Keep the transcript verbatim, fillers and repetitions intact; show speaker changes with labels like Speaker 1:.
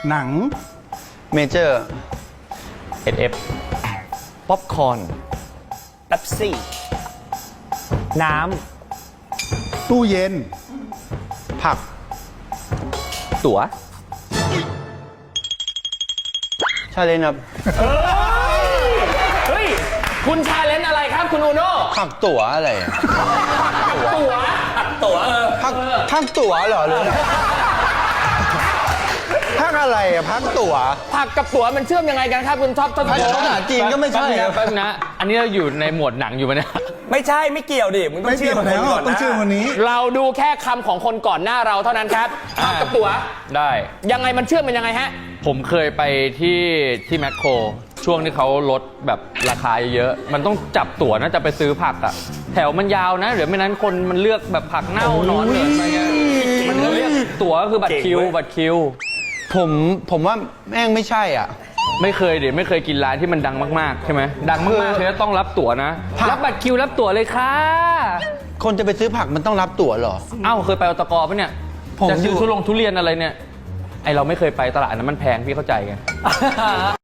Speaker 1: หนัง
Speaker 2: เมเจอร์
Speaker 3: เอสเอฟป๊อปคอร์น
Speaker 4: เป๊ปซี่
Speaker 3: น้
Speaker 1: ตู้เย็น
Speaker 2: ผัก
Speaker 3: ำตั๋ว
Speaker 2: ชาเลนจ์ครับ
Speaker 4: เฮ้ยคุณชาเลนจ์อะไรครับคุณอูโน่
Speaker 2: ผักตั๋วอะไรอะ
Speaker 4: ตั๋วตั๋วเออ
Speaker 2: ผักผักตั๋วเหรอหรือผักอะไรอะผักตั๋ว
Speaker 4: ผักกับตั๋วมันเชื่อมยังไงกันครับคุณท็อปทศพ
Speaker 2: ภา
Speaker 4: ล
Speaker 2: ษาจีนก็ไม่ใช่
Speaker 3: แป๊บนึง
Speaker 2: อะ
Speaker 3: นะแป๊บนึงนะ อันนี้เราอยู่ในหมวดหนังอยู่ปะเนี่ย
Speaker 4: ไม่ใช่ไม่เกี่ยวดิมึงต้อ
Speaker 1: ไม่
Speaker 4: งเชื่
Speaker 1: เกี่
Speaker 4: อ
Speaker 1: ยว
Speaker 4: ม
Speaker 1: แล้ว
Speaker 4: คนก่อน
Speaker 1: ต้อง
Speaker 4: นะ
Speaker 1: เชื่อวันนี้
Speaker 4: เราดูแค่คำของคนก่อนหน้าเราเท่านั้นครับผักกับตั๋ว
Speaker 3: ได้
Speaker 4: ยังไงมันเชื่อมมันยังไงฮะ
Speaker 3: ผมเคยไปที่ที่แมคโครช่วงที่เขาลดแบบราคาเยอะ มันต้องจับตั๋วนะจะไปซื้อผักอะแถวมันยาวนะเดี๋ยวไม่นั้นคนมันเลือกแบบผักเน่านอนเหลืออะไรเงี้ยมันก็เรียกตั๋วคือบัตรคิว
Speaker 4: เก่งเว้ย
Speaker 3: บัตรคิว
Speaker 2: ผมผมว่าแม่งไม่ใช่อ่ะ
Speaker 3: ไม่เคยเดี๋ยวไม่เคยกินร้านที่มันดังมากๆใช่ไหมดังมากๆเลยต้องรับตั๋วนะ
Speaker 2: ผัก
Speaker 3: รับบัตรคิวรับตั๋วเลยค่ะ
Speaker 2: คนจะไปซื้อผักมันต้องรับตั๋วเหรอ
Speaker 3: เอ้าเคยไปอตกปะเนี่ย
Speaker 2: ผม
Speaker 3: จะซื้อ
Speaker 2: อยู่
Speaker 3: ทุลงทุเรียนอะไรเนี่ยไอเราไม่เคยไปตลาดนั้นมันแพงพี่เข้าใจไง